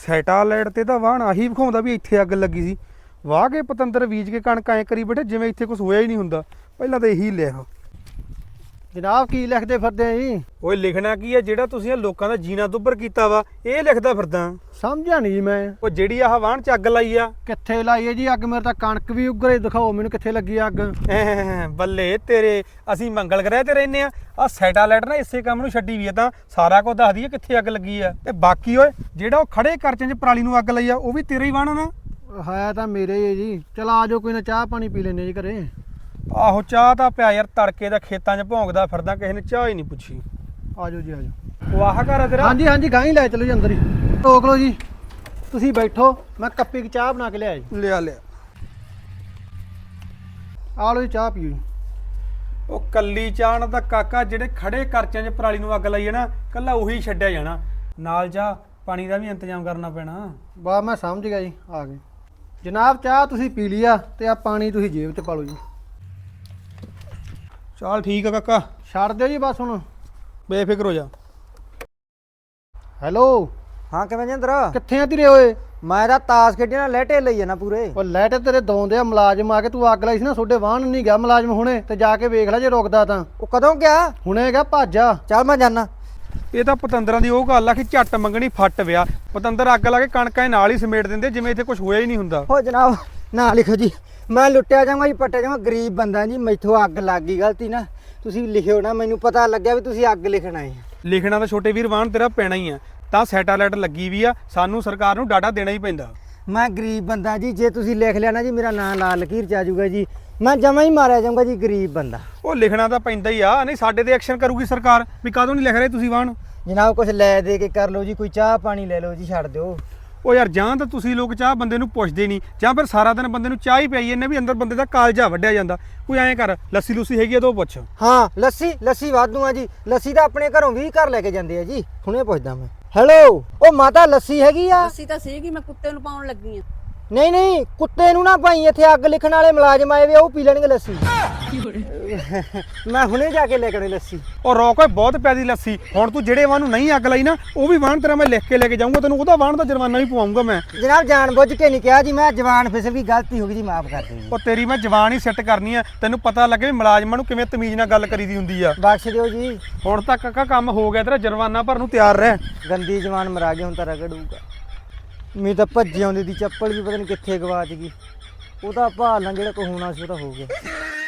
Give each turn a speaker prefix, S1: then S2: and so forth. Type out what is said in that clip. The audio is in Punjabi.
S1: ਸੈਟਾਲਾਈਟ ਤੇ ਤਾਂ ਵਾਹਣ ਆਹੀ ਵਿਖਾਉਂਦਾ ਵੀ ਇੱਥੇ ਅੱਗ ਲੱਗੀ ਸੀ। ਵਾਹ ਕੇ ਪਤੰਦਰ ਬੀਜ ਕੇ ਕਣਕ ਐਂ ਕਰੀ ਬੈਠੇ ਜਿਵੇਂ ਇੱਥੇ ਕੁਝ ਹੋਇਆ ਹੀ ਨਹੀਂ ਹੁੰਦਾ। ਪਹਿਲਾਂ ਤਾਂ ਇਹੀ ਲਿਖ।
S2: ਜਨਾਬ ਕੀ ਲਿਖਦੇ ਫਿਰਦੇ ਆ ਜੀ?
S1: ਓਏ ਲਿਖਣਾ ਕੀ ਹੈ, ਜਿਹੜਾ ਤੁਸੀਂ ਇਹ ਲੋਕਾਂ ਦਾ ਜੀਣਾ ਦੁੱਭਰ ਕੀਤਾ ਵਾ ਇਹ ਲਿਖਦਾ ਫਿਰਦਾ।
S2: ਸਮਝਿਆ ਨਹੀਂ ਜੀ ਮੈਂ।
S1: ਉਹ ਜਿਹੜੀ ਆਹ ਵਾਹਣ ਚ ਅੱਗ ਲਾਈ ਆ
S2: ਕਿੱਥੇ ਲਾਈ ਹੈ ਜੀ ਅੱਗ? ਮੇਰੇ ਤਾਂ ਕਣਕ ਵੀ ਉੱਗਰੇ, ਦਿਖਾਓ ਮੈਨੂੰ ਕਿੱਥੇ ਲੱਗੀ ਅੱਗ।
S1: ਬੱਲੇ ਤੇਰੇ, ਅਸੀਂ ਮੰਗਲ ਗ੍ਰਹਿ ਤੇ ਰਹਿੰਦੇ ਆ ਸੈਟਾਲਾਈਟ ਨਾ ਇਸੇ ਕੰਮ ਨੂੰ ਛੱਡੀ ਵੀ ਆ ਤਾਂ ਸਾਰਾ ਕੁਝ ਦੱਸਦੀ ਆ ਕਿੱਥੇ ਅੱਗ ਲੱਗੀ ਆ। ਤੇ ਬਾਕੀ ਓਏ ਜਿਹੜਾ ਉਹ ਖੜੇ ਕਰਚੇ 'ਚ ਪਰਾਲੀ ਨੂੰ ਅੱਗ ਲਾਈ ਆ ਉਹ ਵੀ ਤੇਰਾ ਹੀ ਵਾਹਣ ਨਾ?
S2: ਹੈ ਤਾਂ ਮੇਰੇ ਹੀ ਹੈ ਜੀ। ਚਲ ਆ ਜਾਓ, ਕੋਈ ਨਾ ਚਾਹ ਪਾਣੀ ਪੀ ਲੈਨੇ ਜੀ ਘਰੇ।
S1: ਆਹੋ ਚਾਹ ਤਾਂ ਪਿਆ ਯਾਰ, ਤੜਕੇ ਦਾ ਖੇਤਾਂ 'ਚ ਭੌਂਕਦਾ ਫਿਰਦਾ, ਕਿਸੇ ਨੇ ਚਾਹ ਹੀ ਨਹੀਂ ਪੁੱਛੀ।
S2: ਆ ਜਾਓ ਜੀ, ਆ ਜਾਓ।
S1: ਉਹ ਆਹ ਘਰ ਆ ਤੇਰਾ?
S2: ਹਾਂਜੀ ਹਾਂਜੀ, ਗਾਂ ਹੀ ਲੈ ਚਲੋ ਜੀ ਅੰਦਰ ਹੀ। ਰੋਕ ਲਓ ਜੀ, ਤੁਸੀਂ ਬੈਠੋ, ਮੈਂ ਕੱਪੀ ਦੀ ਚਾਹ ਬਣਾ ਕੇ ਲਿਆਇਆ ਜੀ।
S1: ਲਿਆ ਲਿਆ।
S2: ਆ ਲਓ ਜੀ, ਚਾਹ ਪੀਓ ਜੀ।
S1: ਉਹ ਕੱਲੀ ਚਾਹ ਨਾਲ ਤਾਂ ਕਾਕਾ ਜਿਹੜੇ ਖੜੇ ਕਰਚਿਆਂ 'ਚ ਪਰਾਲੀ ਨੂੰ ਅੱਗ ਲਾਈ ਹੈ ਨਾ, ਕੱਲਾ ਉਹੀ ਛੱਡਿਆ ਜਾਣਾ। ਨਾਲ ਜਾ ਪਾਣੀ ਦਾ ਵੀ ਇੰਤਜ਼ਾਮ ਕਰਨਾ ਪੈਣਾ।
S2: ਵਾਹ, ਮੈਂ ਸਮਝ ਗਿਆ ਜੀ, ਆ ਗਏ। ਜਨਾਬ ਚਾਹ ਤੁਸੀਂ ਪੀ ਲਿਆ ਤੇ ਆ ਪਾਣੀ ਤੁਸੀਂ ਜੇਬ 'ਚ ਪਾ ਲਓ ਜੀ।
S1: ਚੱਲ ਠੀਕ ਆ ਕਾਕਾ,
S2: ਛੱਡ ਦਿਓ ਜੀ ਬਸ ਹੁਣ।
S1: ਬੇਫਿਕਰ ਹੋ ਜਾ।
S2: ਹੈਲੋ,
S3: ਹਾਂ ਕਿਵੇਂ ਜਿੰਦਰ?
S2: ਕਿੱਥੇ ਆ ਤੇਰੇ ਓਏ?
S3: ਮੈਂ ਤਾਂ ਤਾਸ਼ ਖੇਡੀ ਨਾਲ ਲੈਟੇ ਲਈ ਜਾਣਾ ਪੂਰੇ।
S2: ਉਹ ਲੈਟ ਤੇਰੇ ਦੌਂਦੇ ਆ ਮੁਲਾਜ਼ਮ ਆ ਕੇ, ਤੂੰ ਅੱਗ ਲਾਈ ਸੀ ਨਾ ਤੁਹਾਡੇ ਵਾਹਣ ਨਹੀਂ ਗਿਆ ਮੁਲਾਜ਼ਮ ਹੁਣੇ, ਤੇ ਜਾ ਕੇ ਵੇਖ ਲੈ ਜੇ ਰੁਕਦਾ ਤਾਂ।
S3: ਉਹ ਕਦੋਂ ਗਿਆ?
S2: ਹੁਣੇ ਗਿਆ, ਭੱਜ ਆ।
S3: ਚੱਲ ਮੈਂ ਜਾਣਾ।
S1: ਇਹ ਤਾਂ ਪਤੰਦਰਾਂ ਦੀ ਉਹ ਗੱਲ ਆ ਕਿ ਝੱਟ ਮੰਗਣੀ ਫੱਟ ਵਿਆ। ਪਤੰਦਰ ਅੱਗ ਲਾ ਕੇ ਕਣਕਾਂ ਨਾਲ ਹੀ ਸਮੇਟ ਦਿੰਦੇ ਜਿਵੇਂ ਇੱਥੇ ਕੁਝ ਹੋਇਆ ਹੀ ਨਹੀਂ ਹੁੰਦਾ।
S3: ਹੋ ਜਨਾਬ ਨਾ ਲਿਖੋ ਜੀ, ਮੈਂ ਲੁੱਟਿਆ ਜਾਵਾਂਗਾ ਜੀ, ਪੱਟਿਆ ਜਾਵਾਂ, ਗਰੀਬ ਬੰਦਾ ਜੀ, ਮੈਥੋਂ ਅੱਗ ਲੱਗ ਗਈ ਗਲਤੀ ਨਾ। ਤੁਸੀਂ ਲਿਖਿਓ ਨਾ, ਮੈਨੂੰ ਪਤਾ ਲੱਗਿਆ ਵੀ ਤੁਸੀਂ ਅੱਗ ਲਿਖਣਾ ਹੈ।
S1: ਲਿਖਣਾ ਤਾਂ ਛੋਟੇ ਵੀਰ ਵਾਹਣ ਤੇਰਾ ਪੈਣਾ ਹੀ ਆ, ਤਾਂ ਸੈਟਾਲਾਈਟ ਲੱਗੀ ਵੀ ਆ, ਸਾਨੂੰ ਸਰਕਾਰ ਨੂੰ ਡਾਟਾ ਦੇਣਾ ਹੀ ਪੈਂਦਾ।
S3: ਮੈਂ ਗਰੀਬ ਬੰਦਾ ਜੀ, ਜੇ ਤੁਸੀਂ ਲਿਖ ਲਿਆ ਨਾ ਜੀ ਮੇਰਾ ਨਾਂ ਲਾਲ ਲਕੀਰ 'ਚ ਆ ਜਾਊਗਾ ਜੀ, ਮੈਂ ਜਮਾਂ ਹੀ ਮਾਰਿਆ ਜਾਊਂਗਾ ਜੀ, ਗਰੀਬ ਬੰਦਾ।
S1: ਉਹ ਲਿਖਣਾ ਤਾਂ ਪੈਂਦਾ ਹੀ ਆ, ਨਹੀਂ ਸਾਡੇ ਤੇ ਐਕਸ਼ਨ ਕਰੂਗੀ ਸਰਕਾਰ ਵੀ ਕਦੋਂ ਨਹੀਂ ਲਿਖ ਰਹੇ ਤੁਸੀਂ ਵਾਹਣ।
S3: ਜਨਾਬ ਕੁਝ ਲੈ ਦੇ ਕੇ ਕਰ ਲਓ ਜੀ, ਕੋਈ ਚਾਹ ਪਾਣੀ ਲੈ ਲਓ ਜੀ, ਛੱਡ ਦਿਓ।
S1: ਉਹ ਯਾਰ ਜਾਂ ਤਾਂ ਤੁਸੀਂ ਲੋਕ ਚਾਹ ਬੰਦੇ ਨੂੰ ਪੁੱਛਦੇ ਨਹੀਂ, ਜਾਂ ਫਿਰ ਸਾਰਾ ਦਿਨ ਬੰਦੇ ਨੂੰ ਚਾਹ ਹੀ ਪਈ ਇਹਨੇ ਵੀ ਅੰਦਰ ਬੰਦੇ ਦਾ ਕਾਲਜਾ ਵੱਢਿਆ ਜਾਂਦਾ। ਕੋਈ ਐਂ ਕਰ, ਲੱਸੀ ਲੁੱਸੀ ਹੈਗੀ ਆ ਤਾਂ ਉਹ ਪੁੱਛ।
S3: ਹਾਂ ਲੱਸੀ ਵਾਧੂ ਆ ਜੀ, ਲੱਸੀ ਤਾਂ ਆਪਣੇ ਘਰੋਂ 20 ਘਰ ਲੈ ਕੇ ਜਾਂਦੇ ਆ ਜੀ, ਹੁਣੇ ਪੁੱਛਦਾ ਮੈਂ। ਹੈਲੋ, ਉਹ ਮਾਤਾ ਲੱਸੀ ਹੈਗੀ ਆ?
S4: ਲੱਸੀ ਤਾਂ ਸੀਗੀ, ਮੈਂ ਕੁੱਤੇ ਨੂੰ ਪਾਉਣ ਲੱਗੀ ਆ।
S3: ਨਹੀਂ ਕੁੱਤੇ ਨੂੰ ਨਾ ਭਾਈ, ਇੱਥੇ ਅੱਗ ਲਿਖਣ ਵਾਲੇ ਮੁਲਾਜ਼ਮ ਆਏ ਵੇ, ਉਹ ਪੀ ਲੈਣਗੇ ਲੱਸੀ। ਮੈਂ ਹੁਣੇ ਜਾ ਕੇ ਲੈ ਕੇ ਆਉਣੀ ਲੱਸੀ।
S1: ਉਹ ਰੋਕ ਓਏ, ਬਹੁਤ ਪਿਆਰੀ ਲੱਸੀ। ਹੁਣ ਤੂੰ ਜਿਹੜੇ ਵਾਹਨ ਨੂੰ ਨਹੀਂ ਅੱਗ ਲਾਈ ਨਾ, ਉਹ ਵੀ ਵਾਹਨ ਤੇਰਾ ਮੈਂ ਲਿਖ ਕੇ ਲੈ ਕੇ ਜਾਊਂਗਾ, ਤੈਨੂੰ ਉਹਦਾ ਵਾਹਨ ਦਾ ਜੁਰਮਾਨਾ ਵੀ ਪਵਾਉਂਗਾ ਮੈਂ।
S3: ਜਨਾਬ ਜਾਣ ਬੁੱਝ ਕੇ ਨਹੀਂ ਕਿਹਾ ਜੀ, ਮੈਂ ਜਵਾਨ ਫਿਸਲ ਗਈ, ਗਲਤੀ ਹੋ ਗਈ ਜੀ, ਮਾਫ ਕਰ ਦਿਓ ਜੀ।
S1: ਉਹ ਤੇਰੀ ਮੈਂ ਜਵਾਨ ਹੀ ਸੈੱਟ ਕਰਨੀ ਆ, ਤੈਨੂੰ ਪਤਾ ਲੱਗੇ ਵੀ ਮੁਲਾਜ਼ਮਾਂ ਨੂੰ ਕਿਵੇਂ ਤਮੀਜ਼ ਨਾਲ ਗੱਲ ਕਰੀਦੀ ਹੁੰਦੀ ਆ।
S3: ਬਖਸ਼ ਦਿਓ ਜੀ।
S1: ਹੁਣ ਤੱਕ ਕਾਕਾ ਕੰਮ ਹੋ ਗਿਆ ਤੇਰਾ, ਜੁਰਮਾਨਾ ਭਰਨ ਨੂੰ ਤਿਆਰ ਰਹਿ।
S3: ਗੰਦੀ ਜਵਾਨ ਮਰਾ ਗਈ, ਹੁਣ ਤਾਂ ਰਗੜੂਗਾ। ਮੈਂ ਤਾਂ ਭੱਜੀ ਆਉਂਦੀ ਦੀ ਚੱਪਲ ਵੀ ਪਤਾ ਨਹੀਂ ਕਿੱਥੇ ਗਵਾਚ ਗਈ। ਉਹਦਾ ਭਾਲ ਨਾਲ ਜਿਹੜਾ ਕੋ ਹੋਣਾ ਸੀ ਉਹ ਤਾਂ ਹੋ ਗਿਆ।